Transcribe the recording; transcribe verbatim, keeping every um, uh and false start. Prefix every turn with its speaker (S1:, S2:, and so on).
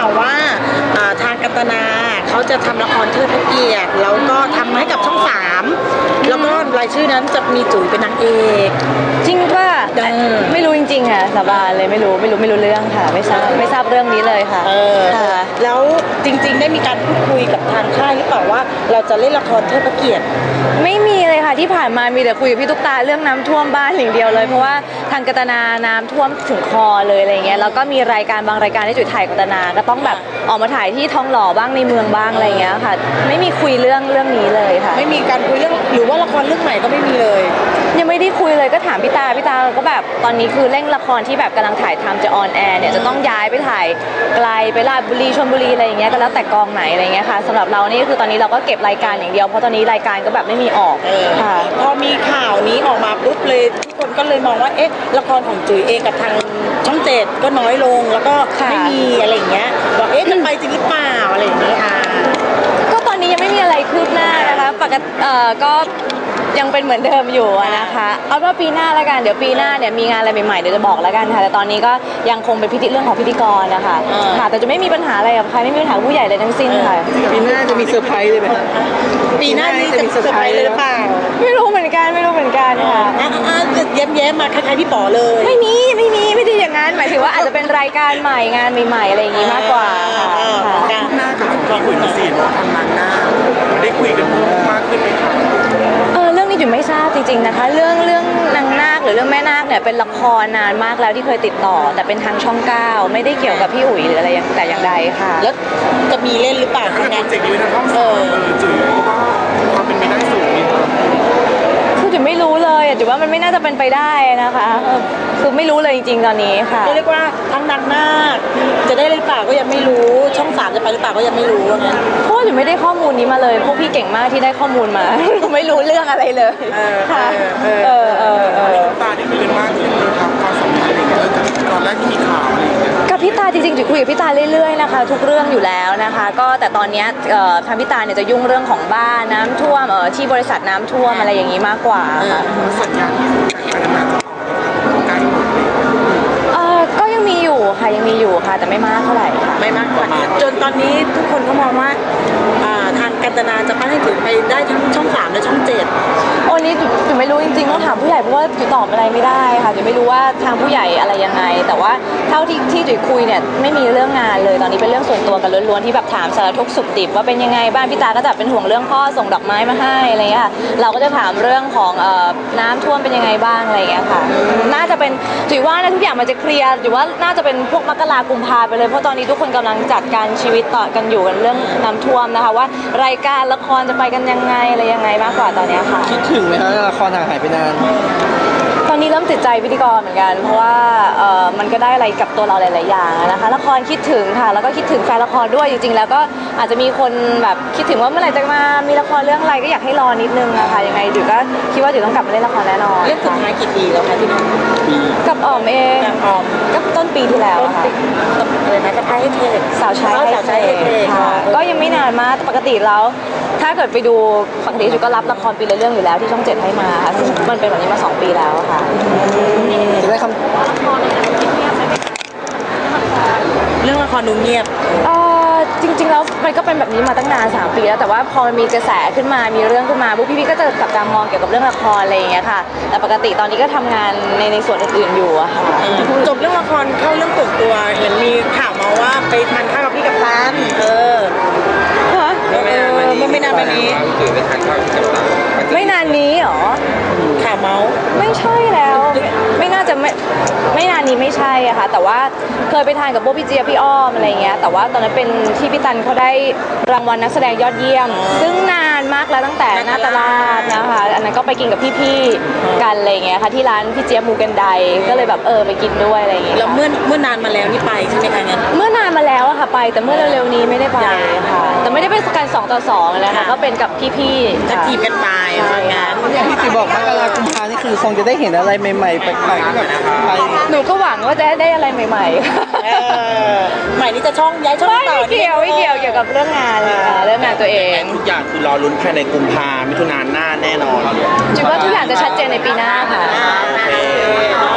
S1: าวว่าทางกัตนาเขาจะทำละครเทิดพระเกียรติแล้วก็ทำให้กับช่องสามแล้วก็รายชื่อนั้นจะมีจุ๋ยเป็นนางเอก
S2: จริงป่ะไม่รู้จริงๆค่ะสาบานเลยไม่รู้ไม่รู้ไม่รู้เรื่องค่ะไม่ทราบไม่ทราบเรื่องนี้เลยค่ะ
S1: แล้วจริงๆได้มีการพูดคุยกับทางค่ายหรือเปล่าว่าเราจะเล่นละครเทิดพระเกียรติ
S2: ไม่มีเลยค่ะที่ผ่านมามีแต่คุยกับพี่ตุ๊กตาเรื่องน้ำท่วมบ้านอย่างเดียวเลยเพราะว่าทางกัตนาน้ำท่วมถึงคอเลยอะไรเงี้ยแล้วก็มีรายการบางรายการที่จุ๋ยถ่ายกัตนาก็ต้องแบบออกมาถ่ายที่ทองหล่อบ้างในเมืองบ้างอะไรเงี้ยค่ะไม่มีคุยเรื่องเรื่องนี้เลยค่ะ
S1: ไม่มีการคุยเรื่องหรือว่าละครเรื่องใหม่ก็ไม่มีเลย
S2: ยังไม่ได้คุยเลยก็ถามพี่ตาพี่ตาก็แบบตอนนี้คือเร่งละครที่แบบกำลังถ่ายทำจะออนแอร์เนี่ยจะต้องย้ายไปถ่ายไกลไปราชบุรีชลบุรีอะไรอย่างเงี้ยก็แล้วแต่กองไหนอะไรเงี้ยค่ะสำหรับเรานี่คือตอนนี้เราก็เก็บรายการอย่างเดียวเพราะตอนนี้รายการก็แบบไม่มีออก
S1: ค่ะพอมีข่าวนี้ออกมาปุ๊บเลยทุกคนก็เลยมองว่าเอ๊ะละครของจุ๋ยเองกับทางช่องเจ็ดก็น้อยลงแล้วก็ไม่มีอะไรอย่างเงี้ยบอกเอ๊ะจะไปจริงหรือเปล่าอะไรอย่างเงี้ยค่ะ
S2: ก็ตอนนี้ยังไม่มีอะไรคืบหน้านะคะปกติเอ่อก็ยังเป็นเหมือนเดิมอยู่นะคะเอาว่าปีหน้าแล้วกันเดี๋ยวปีหน้าเนี่ยมีงานอะไรใหม่ๆเดี๋ยวจะบอกแล้วกันค่ะแต่ตอนนี้ก็ยังคงเป็นพิธีเรื่องของพิธีกรนะคะค่ะแต่จะไม่มีปัญหาอะไรกับใครไม่มีปัญหาผู้ใหญ่เลยทั้งสิ้นค่ะ
S3: ปีหน้าจะมีเซอร์ไพรส์เลยไหม
S1: ปีหน้านี้จะมีเซอร์ไพรส์เลยหรือเปล่า
S2: ไม่รู้เหมือนกันไม่รู้เหมือนกันค่ะ
S1: แย้มๆมาคล้ายๆพี่ป๋อเลย
S2: ไม่มีไม่มีไม่ได้อย่างนั้นหมายถึงว่าอาจจะเป็นรายการใหม่งานใหม่ๆอะไรอย่างนี้มากกว่าค่ะ
S3: หน้ากับเราคุยกับซีนว่าทำงานหน้าได้คุยกันมากขึ้นไหมคะ
S2: เออเรื่องนี้จุ๋ยไม่ทราบจริงๆนะคะเรื่องเรื่องนางนาคหรือเรื่องแม่นาคเนี่ยเป็นละครนานมากแล้วที่เคยติดต่อแต่เป็นทางช่องเก้าไม่ได้เกี่ยวกับพี่อุ๋ยหรืออะไรแต่อย่างใดค่ะ
S1: แล้วจะมีเล่นหรือเปล่า
S3: งานเจ๋งดีทางช่องสามจุ๋ยว่าความเป็นไปได้สูงนี่
S2: คือจุ๋ยไม่รู้เลยจุ๋ยว่ามันไม่น่าจะเป็นไปได้นะคะคือไม่รู้เลยจริงๆตอนนี้ค่ะ
S1: เรียกว่าทั้งนางนาคจะได้หรือเปล่าก็ยังไม่รู้ช่องสามจะไปหรือเปล่าก็ยังไม่รู้นะ
S2: เพราะจุ๋ยไม่ได้ข้อมูลนี้มาเลยพวกพี่เก่งมากที่ได้ข้อมูลมาไม่รู้เรื่องอะไรเลยค่ะเออเออเออ
S3: ตาได้คุยกันมากขึ้นเลยครับความสัมพันธ์อะไรเงี้ยจากตอนแรกที่มีข่าวอะไรอย่างเงี้ย
S2: กับพี่ตาจริงๆจุ๋ยคุยกับพี่ตาเรื่อยๆนะคะทุกเรื่องอยู่แล้วนะคะก็แต่ตอนนี้ทางพี่ตาเนี่ยจะยุ่งเรื่องของบ้านน้ำท่วมที่บริษัทน้ำท่วมอะไรอย่างนี้มากกว่าค่ะ
S3: สัญญาที่การงานจะต่อใกล้หมดเลย
S2: เออก็ยังมีอยู่ค่ะยังมีอยู่ค่ะแต่ไม่มากเท่าไหร่ค่ะ
S1: ไม่มากกว่าจนตอนนี้ทุกคนก็มองว่าทางกัตนาจะปั้นให้จุ๋ยไปได้ทั้งช่องสามและช่องเจ็ด
S2: โอ้นี้จุ๋ยไม่รู้จริงๆต้องถามผู้ใหญ่เพราะว่าจุ๋ยตอบอะไรไม่ได้ค่ะจุ๋ยไม่รู้ว่าทางผู้ใหญ่อะไรยังไงแต่ว่าเท่าที่ที่จุ๋ยคุยเนี่ยไม่มีเรื่องงานเลยตอนนี้เป็นเรื่องส่วนตัวกันล้วนๆที่แบบถามสารทุกข์สุขดิบว่าเป็นยังไงบ้านพี่ตาก็จะเป็นห่วงเรื่องพ่อส่งดอกไม้มาให้อะไรเงี้ยเราก็จะถามเรื่องของน้ำท่วมเป็นยังไงบ้างอะไรเงี้ยค่ะน่าจะเป็นจุ๋ยว่าทุกอย่างมันจะเคลียร์จุ๋ยว่าน่าจะเป็นพวกมกรากุมภาไปเลยเพราะตอนนี้ทุกคนกำลังจัดการชีวิตต่อกันอยู่กันเรื่องน้ำท่วมนะคะว่ารายการละครจะไปกันยังไงอะไรยังไงมากกว่าตอนนี้ค่ะ
S3: คิดถึงไหมคะละครห่างหายไปนาน
S2: ตอนนี้เริ่มติดใจพิธีกรเหมือนกันเพราะว่าเอ่อมันก็ได้อะไรกับตัวเราหลายๆอย่างนะคะละครคิดถึงค่ะแล้วก็คิดถึงแฟนละครด้วยจริงๆแล้วก็อาจจะมีคนแบบคิดถึงว่าเมื่อไหร่จะมามีละครเรื่องอะไรก็อยากให้รอนิดนึงนะคะยังไงจุ๋ยก็คิดว่าจุ๋ยต้องกลับมาเล่นละครแน่นอน
S1: เรื่องสุดท้ายกี่ปีแล้วคะพี่น้อง
S2: ปีกับอ๋อมเอง
S1: ออม
S2: ก็ต้นปีที่แล้วค่ะ
S1: อะไรนะจะพายให้เทศ
S2: สาวใช้ให้เทศค่ะก็ยังไม่นานมากปกติแล้วถ้าเกิดไปดูปกติจุ๋ยก็รับละครปีละเรื่องอยู่แล้วที่ช่องเจ็ดให้มาค่ะซึ่งมันเป็นแบบนี้มาสองปีแล้วค่ะ
S3: จะได้คำ
S1: เรื่องละครดูเงียบ
S2: เออจริงๆแล้วมันก็เป็นแบบนี้มาตั้งนานสามปีแล้วแต่ว่าพอมันมีกระแสขึ้นมามีเรื่องขึ้นมาพวกพี่ๆก็จะจับตามองเกี่ยวกับเรื่องละครอะไรอย่างเงี้ยค่ะแต่ปกติตอนนี้ก็ทำงานในในส่วนอื่นๆอยู่อะค่ะ
S1: จบเรื่องละครเข้าเรื่องส่วนตัวเห็นมีข่าวมาว่าไปทานข้าวกับพี่กัปตันเออ
S2: ฮะ
S1: เออมันไม่นานมานี้
S2: ไม่นานนี้หรอ
S1: ข่าวเมาส์
S2: ไม่ใช่แล้วไม่น่าจะไม่ไม่นานนี้ไม่ใช่อะค่ะแต่ว่าเคยไปทานกับโบพี่เจี๊ยบพี่อ้อมอะไรเงี้ยแต่ว่าตอนนั้นเป็นที่พี่ตันเขาได้รางวัลนักแสดงยอดเยี่ยมซึ่งนานมากแล้วตั้งแต่หน้าตลาดนะคะอันนั้นก็ไปกินกับพี่ๆกันอะไรเงี้ยค่ะที่ร้านพี่เจี๊ยบมูกันไดก็เลยแบบเออไปกินด้วยอะไรเงี้ย
S1: แล้วเมื่อเมื่อนานมาแล้วนี่ไปใช่ไหมคะงั้น
S2: เมื่อนานมาแล้วอะค่ะไปแต่เมื่อเร็วๆนี้ไม่ได้ไปค่ะแต่ไม่ได้เป็นการสองต่อสองนะคะก็เป็นกับพี่ๆ
S1: จะทีมกันไปว่างาน
S3: อย่างที่ติบอกมกรากุมภานี่คือคงจะได้เห็นอะไรใหม่ๆแปลกๆแบบไป
S2: หนูก็หวังว่าจะได้อะไรใหม่
S1: ๆใหม่นี่จะช่องย้ายช่องต่อ
S2: ไม่เกี่ยวไม่เกี่ยวเกี่ยวกับเรื่องงานเรื่องงานตัวเอง
S3: ทุกอย่างคือรอลุ้นภายในกุมภามิถุนายนหน้าแน่นอน
S2: จุดว่าทุกอย่างจะชัดเจนในปีหน้าค่ะ